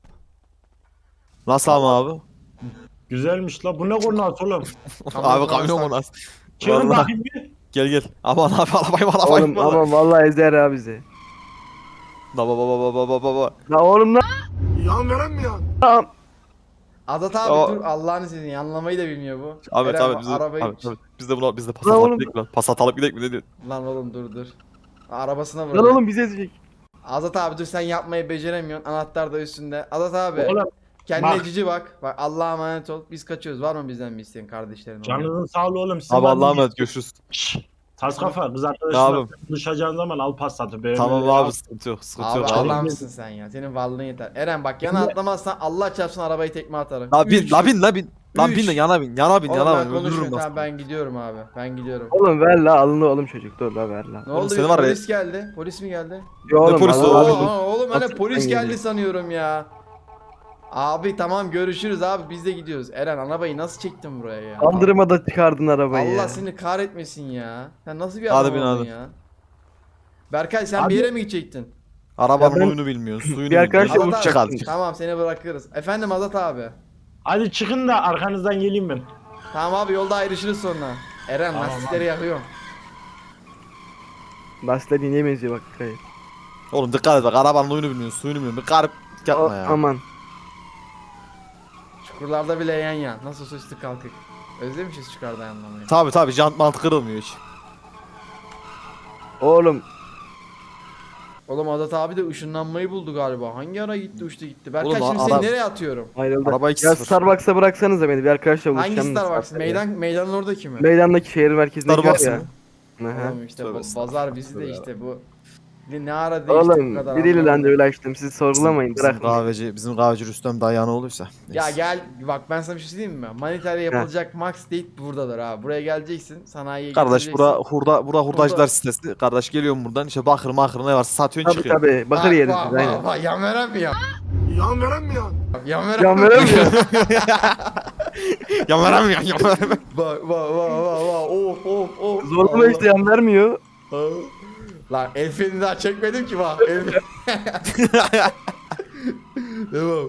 Speaker 5: Nasıl ama abi?
Speaker 9: Güzelmiş la. Bu ne konu oğlum?
Speaker 1: Kamyon
Speaker 5: abi kamyon
Speaker 1: konuşsak.
Speaker 5: mu nasıl?
Speaker 9: Çıkın
Speaker 5: Vallahi.
Speaker 9: bakayım bir.
Speaker 5: Gel gel. Aman abi arabayı bana arabayı
Speaker 3: Oğlum
Speaker 5: bana.
Speaker 3: ama vallahi ezer ha bizi.
Speaker 5: Baba baba baba baba baba.
Speaker 3: La oğlum lan.
Speaker 4: Yan veren mi yan?
Speaker 3: Tamam.
Speaker 1: Azat abi
Speaker 5: O-
Speaker 1: dur, Allah'ını seveyim, anlamayı da bilmiyor bu.
Speaker 5: Abi
Speaker 1: Eren,
Speaker 5: tabii biz de,
Speaker 1: arabayı...
Speaker 5: abi, tabii. biz de buna biz de pas
Speaker 3: Lan
Speaker 5: atalım
Speaker 3: oğlum.
Speaker 5: gidelim lan. Pas atalım gidelim mi ne diyorsun?
Speaker 1: Lan oğlum dur dur. Arabasına vur.
Speaker 3: Lan oğlum bizi ezecek.
Speaker 1: Azat abi dur, sen yapmayı beceremiyorsun. Anahtar da üstünde. Azat abi.
Speaker 9: Oğlum
Speaker 1: Kendine
Speaker 9: bak.
Speaker 1: cici bak. Bak Allah'a emanet ol. Biz kaçıyoruz. Var mı bizden bir isteğin kardeşlerin?
Speaker 9: canınızın sağlığı oğlum. Sizin
Speaker 5: Abi
Speaker 9: var
Speaker 5: Allah'a
Speaker 9: mı?
Speaker 5: emanet görüşürüz.
Speaker 9: Şşş. Tas kafa kız
Speaker 5: Ne
Speaker 9: arkadaşına
Speaker 5: yapayım?
Speaker 9: buluşacağın zaman al pas atı. B M W
Speaker 5: Tamam
Speaker 9: al.
Speaker 5: abi sıkıntı yok sıkıntı
Speaker 1: Abi
Speaker 5: yok abi.
Speaker 1: Allah'ımsın sen ya. Senin varlığın yeter. Eren bak, yana atlamazsan Allah çarpsın arabayı tekme atarım.
Speaker 5: La bin
Speaker 1: Üç.
Speaker 5: la bin la bin. Lan
Speaker 1: Üç.
Speaker 5: bin de yana bin yana bin
Speaker 1: Oğlum
Speaker 5: yana
Speaker 1: ben
Speaker 5: bin öldürürüm
Speaker 1: konuşmuyorum.
Speaker 5: lan.
Speaker 1: Tamam ben gidiyorum abi. Ben gidiyorum.
Speaker 3: Oğlum ver la alındı oğlum çocuk dur la ver la.
Speaker 1: Ne
Speaker 5: Oğlum
Speaker 1: oldu?
Speaker 5: seni
Speaker 1: Bir
Speaker 5: var ya-
Speaker 1: polis geldi. Polis mi geldi?
Speaker 3: Yo oğlum
Speaker 5: polisi
Speaker 3: Allah
Speaker 5: oğlum?
Speaker 3: Allah.
Speaker 1: Oo, oğlum hani
Speaker 3: Nasıl
Speaker 1: polis
Speaker 3: sen
Speaker 1: geldi
Speaker 3: geliyorsun?
Speaker 1: sanıyorum ya. Abi tamam, görüşürüz abi, biz de gidiyoruz. Eren, arabayı nasıl çektin buraya ya?
Speaker 3: Kaldırmada çıkardın arabayı
Speaker 1: Allah
Speaker 3: ya.
Speaker 1: seni kahretmesin ya. Sen nasıl bir
Speaker 5: Hadi
Speaker 1: adam
Speaker 5: bin,
Speaker 1: oldun
Speaker 5: hadi.
Speaker 1: ya? Berkay sen
Speaker 9: Abi-
Speaker 1: bir yere mi gidecektin?
Speaker 5: Arabanın
Speaker 3: Ya ben-
Speaker 5: huyunu bilmiyorsun suyunu
Speaker 3: Bir arkadaşla
Speaker 5: bilmiyorsun.
Speaker 1: Azat
Speaker 5: Çık
Speaker 1: abi,
Speaker 5: hadi.
Speaker 1: tamam seni bırakırız. Efendim Azat abi.
Speaker 9: Hadi çıkın da arkanızdan geleyim ben.
Speaker 1: Tamam abi, yolda ayrışırız sonra. Eren
Speaker 9: Tamam
Speaker 1: lastikleri yakıyorum.
Speaker 3: Lastikler ineğe benziyor bak dikkat et.
Speaker 5: Oğlum dikkat et bak arabanın huyunu bilmiyorsun suyunu bilmiyorsun. Bir garip
Speaker 3: O-
Speaker 5: yapma ya.
Speaker 3: Aman.
Speaker 1: Çukurlarda bile yan yan. Nasıl olsa üstü kalkık. Özlemişiz çukurda yanlamayı.
Speaker 5: Tabi tabi jant mant kırılmıyor hiç.
Speaker 3: Oğlum
Speaker 1: Oğlum Azat abi de ışınlanmayı buldu galiba. Hangi ara gitti uçtu gitti. Berkay
Speaker 5: Oğlum,
Speaker 1: şimdi
Speaker 5: ara-
Speaker 1: seni nereye atıyorum?
Speaker 3: ayrıldı.
Speaker 5: Araba iki
Speaker 3: Ya
Speaker 5: sıfır.
Speaker 3: Starbucks'a bıraksanıza beni bir arkadaşla buluşacağım.
Speaker 1: Hangi
Speaker 3: da
Speaker 1: Starbucks?
Speaker 3: Starbucks'a.
Speaker 1: Meydan, meydanın oradaki mi?
Speaker 3: Meydandaki şehir merkezindeki
Speaker 5: Starbucks
Speaker 3: var ya.
Speaker 5: mı?
Speaker 3: Aha.
Speaker 1: Oğlum işte
Speaker 5: Tövbe
Speaker 1: bu
Speaker 5: estağfurullah.
Speaker 1: pazar bizi de işte bu. Ne ne ara değişti bu
Speaker 3: Oğlum
Speaker 1: kadar.
Speaker 3: biriyle
Speaker 1: anlamadım.
Speaker 3: randevu açtım siz sorgulamayın
Speaker 5: Bizim,
Speaker 3: bırakın.
Speaker 5: bizim kahveci bizim kahveci Rüstem dayanı olursa.
Speaker 1: Ya
Speaker 5: Neyse.
Speaker 1: gel bak, ben sana bir şey söyleyeyim mi? Manitayla yapılacak max date buradadır ha. Buraya geleceksin, sanayiye
Speaker 5: Kardeş
Speaker 1: getireceksin.
Speaker 5: bura hurda bura hurdacılar
Speaker 1: Hurda.
Speaker 5: sitesi. Kardeş geliyorum buradan işte bakır makır ne varsa satıyorsun
Speaker 3: Tabi
Speaker 5: çıkıyor.
Speaker 3: tabi bakır
Speaker 1: Bak,
Speaker 3: yeriz
Speaker 1: bak,
Speaker 3: biz
Speaker 1: bak,
Speaker 3: aynen.
Speaker 1: bak, yan veren mi ya?
Speaker 4: Yan veren mi yan?
Speaker 1: Yan veren
Speaker 3: Can
Speaker 1: mi?
Speaker 3: veremiyor.
Speaker 5: Ya veremiyorum ya veremiyorum.
Speaker 1: Bak bak bak bak bak, of of of.
Speaker 3: Zorlama
Speaker 1: Allah.
Speaker 3: işte yan vermiyor.
Speaker 1: Lan el freni daha çekmedim ki bak. El Devam.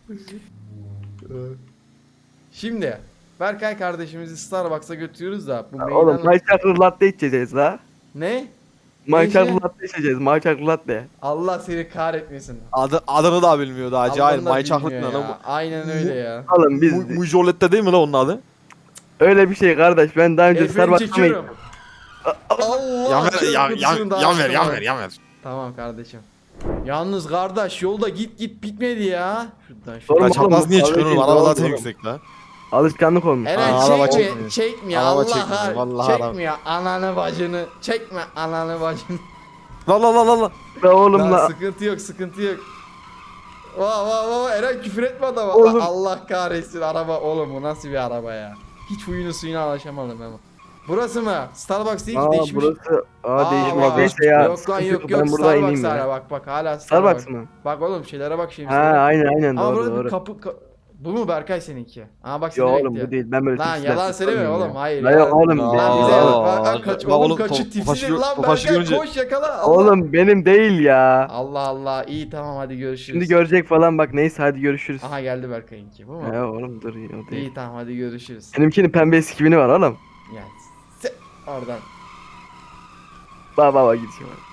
Speaker 1: Şimdi Berkay kardeşimizi Starbucks'a götürüyoruz da bu
Speaker 3: Oğlum
Speaker 1: meydanın...
Speaker 3: my chocolate latte içeceğiz la.
Speaker 1: Ne?
Speaker 3: My
Speaker 1: Neyse.
Speaker 3: chocolate latte içeceğiz my chocolate latte.
Speaker 1: Allah seni kahretmesin.
Speaker 5: Adı, adını da bilmiyor daha cahil.
Speaker 1: Adını da
Speaker 5: May Chocolate ne
Speaker 1: bilmiyor
Speaker 5: lan
Speaker 1: ya. Aynen öyle ya.
Speaker 3: Oğlum
Speaker 5: bu?
Speaker 3: biz
Speaker 5: Mu- Mujolette değil mi lan onun adı?
Speaker 3: öyle bir şey kardeş ben daha önce
Speaker 1: El freni
Speaker 3: Starbucks'a mı
Speaker 1: çekiyorum. Allah
Speaker 5: Yan ver yan
Speaker 1: çarpıcısını
Speaker 5: yan
Speaker 1: daha
Speaker 5: yan ver
Speaker 1: açtım
Speaker 5: yan
Speaker 1: ha.
Speaker 5: ver yan ver.
Speaker 1: Tamam kardeşim. Yalnız kardeş yolda git git bitmedi ya. Şuradan
Speaker 3: Oğlum,
Speaker 1: şuradan.
Speaker 5: Ya
Speaker 3: oğlum,
Speaker 5: çapraz niye
Speaker 3: bu
Speaker 5: çıkıyorsun oğlum?
Speaker 3: kahve
Speaker 5: Araba
Speaker 3: değil,
Speaker 5: zaten
Speaker 3: oğlum.
Speaker 5: yüksek la.
Speaker 3: Alışkanlık olmuş.
Speaker 1: Eren
Speaker 5: Aa, araba
Speaker 1: çekme,
Speaker 5: çekmiyor.
Speaker 1: çekmiyor.
Speaker 5: Araba
Speaker 1: Allah
Speaker 5: çekmiyor,
Speaker 1: har-
Speaker 5: vallahi araba.
Speaker 1: çekmiyor. Ananı bacını. Çekme ananı bacını.
Speaker 5: La la la la la.
Speaker 3: La oğlum
Speaker 1: Lan
Speaker 3: la.
Speaker 1: sıkıntı yok, sıkıntı yok. Vaa vaa vaa, Eren küfür etme adama.
Speaker 3: Oğlum.
Speaker 1: Allah kahretsin araba, oğlum bu nasıl bir araba ya. Hiç huyunu suyuna alışamadım ama. Burası mı? Starbucks değil ki
Speaker 3: Aa
Speaker 1: değişmiş.
Speaker 3: burası. Aa, değişmiş.
Speaker 1: bak.
Speaker 3: Neyse ya.
Speaker 1: Yok lan
Speaker 3: sıkıntı
Speaker 1: yok yok
Speaker 3: Ben burada
Speaker 1: Starbucks
Speaker 3: ineyim
Speaker 1: hala
Speaker 3: ya.
Speaker 1: bak bak hala
Speaker 3: Starbucks
Speaker 1: Starbucks.
Speaker 3: mı?
Speaker 1: Bak oğlum şeylere bak şimdi.
Speaker 3: Ha aynen aynen
Speaker 1: Ama
Speaker 3: doğru
Speaker 1: burada bir
Speaker 3: doğru.
Speaker 1: kapı ka- bu mu Berkay seninki? Aa bak
Speaker 3: Yo
Speaker 1: seni
Speaker 3: oğlum
Speaker 1: bekliyor.
Speaker 3: bu değil. Ben böyle
Speaker 1: Lan
Speaker 3: tipsler
Speaker 1: yalan söyleme
Speaker 3: tutmuyorum
Speaker 1: oğlum
Speaker 3: ya.
Speaker 1: hayır
Speaker 3: Lan
Speaker 1: ya.
Speaker 3: yok oğlum
Speaker 1: Lan
Speaker 3: değil.
Speaker 1: bize
Speaker 3: Oğlum.
Speaker 1: bak, bak, kaç,
Speaker 5: Bak
Speaker 1: oğlum
Speaker 5: oğlum,
Speaker 1: kaçı
Speaker 5: to-
Speaker 1: tipsiz
Speaker 5: topaşı-
Speaker 1: lan
Speaker 5: topaşı
Speaker 1: Berkay
Speaker 5: görünce-
Speaker 1: koş yakala. Allah.
Speaker 3: Oğlum benim değil ya.
Speaker 1: Allah Allah iyi tamam hadi görüşürüz.
Speaker 3: Şimdi görecek falan bak neyse hadi görüşürüz.
Speaker 1: Aha geldi Berkay'ınki bu mu?
Speaker 3: Ya oğlum dur ya o değil.
Speaker 1: İyi tamam hadi görüşürüz.
Speaker 3: Benimkinin pembe eskivini var oğlum.
Speaker 1: Ya se- oradan.
Speaker 3: Bak bak bak gidişim var.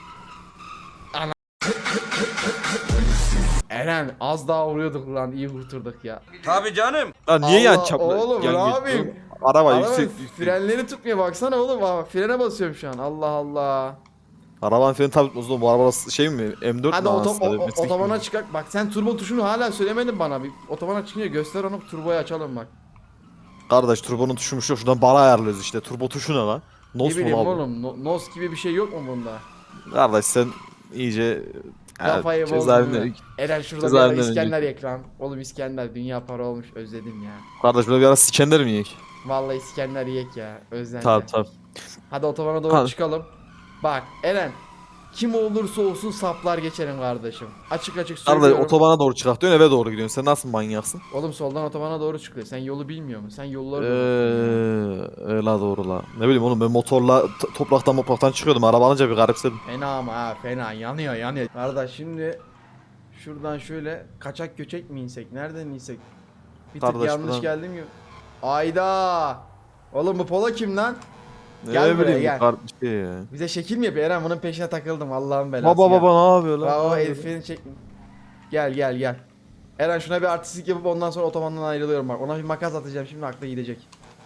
Speaker 1: Eren az daha vuruyorduk lan iyi kurtulduk ya.
Speaker 8: Tabii canım.
Speaker 5: Lan niye
Speaker 1: Allah,
Speaker 5: yan çaplı?
Speaker 1: oğlum,
Speaker 5: yan
Speaker 1: ne
Speaker 5: geçiyor?
Speaker 1: yapayım?
Speaker 5: Araba
Speaker 1: Araba
Speaker 5: yüksek. yüksek.
Speaker 1: frenleri tutmuyor baksana oğlum bak frene basıyorum şu an Allah Allah.
Speaker 5: Arabanın freni tabii tutmaz oğlum. Bu araba şey mi? M dört
Speaker 1: Hadi
Speaker 5: mü?
Speaker 1: oto-
Speaker 5: anasını
Speaker 1: o- o-
Speaker 5: satayım?
Speaker 1: otobana çıkak bak sen turbo tuşunu hala söylemedin bana bir otobana çıkınca göster onu turboyu açalım bak.
Speaker 5: Kardeş turbonun tuşumuş yok. Şuradan bara ayarlıyoruz işte. Turbo tuşu ne lan?
Speaker 1: Ne
Speaker 5: Nos mu
Speaker 1: bileyim
Speaker 5: lan bu?
Speaker 1: oğlum no- nos gibi bir şey yok mu bunda?
Speaker 5: Kardeş sen iyice
Speaker 1: Kafayı
Speaker 5: Evet,
Speaker 1: bozdun
Speaker 5: cezaevinde-
Speaker 1: değil mi? Eren şurada bir
Speaker 5: cezaevinden
Speaker 1: ara İskender yek lan. Oğlum İskender dünya para olmuş özledim ya.
Speaker 5: Kardeş böyle bir ara sikender mi yiyek?
Speaker 1: Vallahi İskender yek ya özlendi.
Speaker 5: Tamam tamam.
Speaker 1: Hadi otobana doğru
Speaker 5: Tamam.
Speaker 1: çıkalım. Bak Eren kim olursa olsun saplar geçerim kardeşim. Açık açık
Speaker 5: Kardeş
Speaker 1: söylüyorum.
Speaker 5: otobana doğru çıkart diyorsun eve doğru gidiyorsun. Sen nasıl manyaksın?
Speaker 1: Oğlum soldan otobana doğru çıkıyor. Sen yolu bilmiyor musun? Sen yolları
Speaker 5: Eee öyle doğru la. Ne bileyim oğlum ben motorla t- topraktan topraktan çıkıyordum. Araba alınca bir garipsedim.
Speaker 1: Fena ama ha fena yanıyor yanıyor. Kardeş şimdi şuradan şöyle kaçak göçek mi insek? Nereden insek? Bir tık
Speaker 5: Kardeş,
Speaker 1: yanlış
Speaker 5: buradan-
Speaker 1: geldim mi? Ayda. Oğlum bu polo kim lan? Gel
Speaker 5: ne
Speaker 1: buraya,
Speaker 5: bileyim
Speaker 1: gel.
Speaker 5: bu kar- şey ya.
Speaker 1: Bize şekil mi yapıyor? Eren bunun peşine takıldım Allah'ın belası.
Speaker 5: Baba
Speaker 1: gel.
Speaker 5: baba ne yapıyor lan?
Speaker 1: Bak
Speaker 5: Ne
Speaker 1: o
Speaker 5: yapıyor?
Speaker 1: herifini çek. Gel gel gel. Eren şuna bir artistlik yapıp ondan sonra otobandan ayrılıyorum bak. Ona bir makas atacağım şimdi aklı gidecek.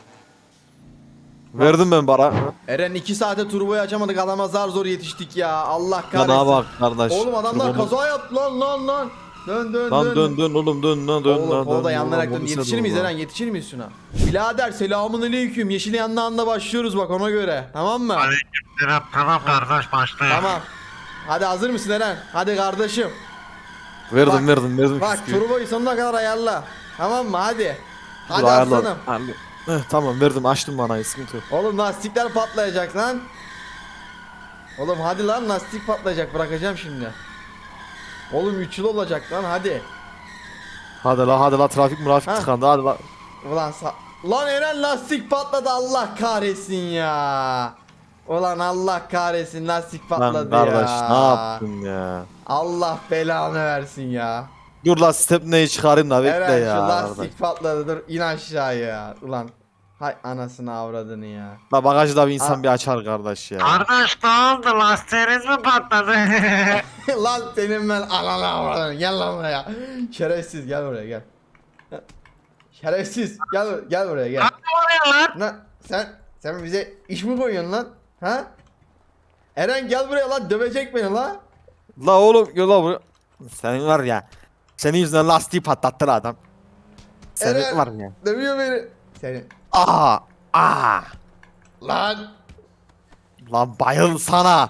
Speaker 5: Verdim ben bara.
Speaker 1: Eren iki saate turboyu açamadık adama zar zor yetiştik ya. Allah
Speaker 5: Bana
Speaker 1: kahretsin.
Speaker 5: bak kardeş.
Speaker 1: Oğlum adamlar
Speaker 5: Turbonu-
Speaker 1: kaza yaptı lan lan lan. Dön dön
Speaker 5: Lan
Speaker 1: dön.
Speaker 5: dön dön oğlum dön lan dön
Speaker 1: Oğlum
Speaker 5: lan
Speaker 1: polo da
Speaker 5: dön.
Speaker 1: yanlarak
Speaker 5: Lan,
Speaker 1: dön.
Speaker 5: bu
Speaker 1: Yetişir
Speaker 5: nasıl
Speaker 1: miyiz
Speaker 5: olur
Speaker 1: Eren?
Speaker 5: lan?
Speaker 1: Yetişir miyiz şuna? Birader selamun aleyküm. Yeşil yanlı anda başlıyoruz bak ona göre. Tamam mı?
Speaker 8: Tamam kardeş başlayalım.
Speaker 1: Tamam. Hadi hazır mısın Eren? Hadi kardeşim.
Speaker 5: Verdim
Speaker 1: Bak,
Speaker 5: verdim verdim.
Speaker 1: Bak
Speaker 5: küsküyü.
Speaker 1: turboyu sonuna kadar ayarla. Tamam mı? Hadi.
Speaker 5: Dur,
Speaker 1: Hadi
Speaker 5: ayarla.
Speaker 1: aslanım.
Speaker 5: Ayarla. Heh, tamam verdim açtım bana sıkıntı yok.
Speaker 1: Oğlum lastikler patlayacak lan. Oğlum hadi lan lastik patlayacak bırakacağım şimdi. Oğlum üç yıl olacak lan hadi.
Speaker 5: Hadi la hadi la trafik murafik
Speaker 1: Ha.
Speaker 5: tıkandı hadi la.
Speaker 1: Ulan sa- Lan Eren lastik patladı Allah kahretsin ya. Ulan Allah kahretsin lastik
Speaker 5: Lan
Speaker 1: patladı
Speaker 5: kardeş
Speaker 1: ya.
Speaker 5: ne yaptın ya?
Speaker 1: Allah belanı versin ya.
Speaker 5: Dur la stepneyi çıkarayım da bekle
Speaker 1: Eren
Speaker 5: ya.
Speaker 1: şu
Speaker 5: kardeş.
Speaker 1: lastik patladı dur in aşağıya. Ulan hay anasını avradını ya.
Speaker 5: La bagajı da bir insan
Speaker 1: Ha.
Speaker 5: bir açar kardeş ya.
Speaker 8: Kardeş ne oldu lastiğiniz mi patladı?
Speaker 1: Lan senin ben ananı avradını gel lan buraya. Şerefsiz gel buraya gel. Şerefsiz gel gel buraya gel.
Speaker 8: lan?
Speaker 1: Lan sen sen bize iş mi koyuyorsun lan? Ha? Eren gel buraya lan dövecek beni lan.
Speaker 5: La oğlum gel la buraya. Senin var ya. Senin yüzünden lastiği patlattı la adam. Senin
Speaker 1: Eren.
Speaker 5: var ya.
Speaker 1: Dövüyor beni. Seni.
Speaker 5: Aa! Aa!
Speaker 1: Lan
Speaker 5: Lan bayıl sana.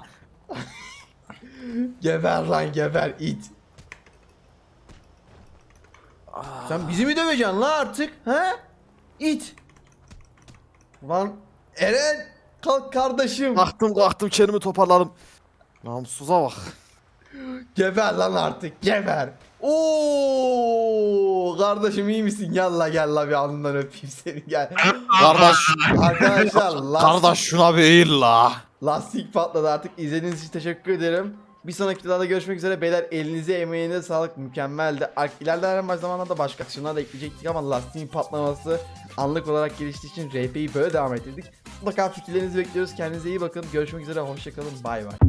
Speaker 1: geber lan geber it. Sen bizi mi döveceksin lan artık? Ha? İt. Lan Eren kalk kardeşim.
Speaker 5: Kalktım kalktım kendimi toparladım. Namussuza bak.
Speaker 1: Geber lan artık geber. Oo kardeşim iyi misin? Gel la gel la bir alnından öpeyim seni gel.
Speaker 5: Kardeş.
Speaker 1: Arkadaşlar lastik,
Speaker 5: Kardeş şuna bir eğil la.
Speaker 1: lastik patladı artık izlediğiniz için teşekkür ederim. Bir sonraki videoda görüşmek üzere beyler elinize emeğinize sağlık mükemmeldi. Ar- İlerleyen zamanlarda başka aksiyonlar da ekleyecektik ama lastiğin patlaması anlık olarak geliştiği için R P'yi böyle devam ettirdik. Mutlaka fikirlerinizi bekliyoruz. Kendinize iyi bakın. Görüşmek üzere. Hoşçakalın. Bay bay.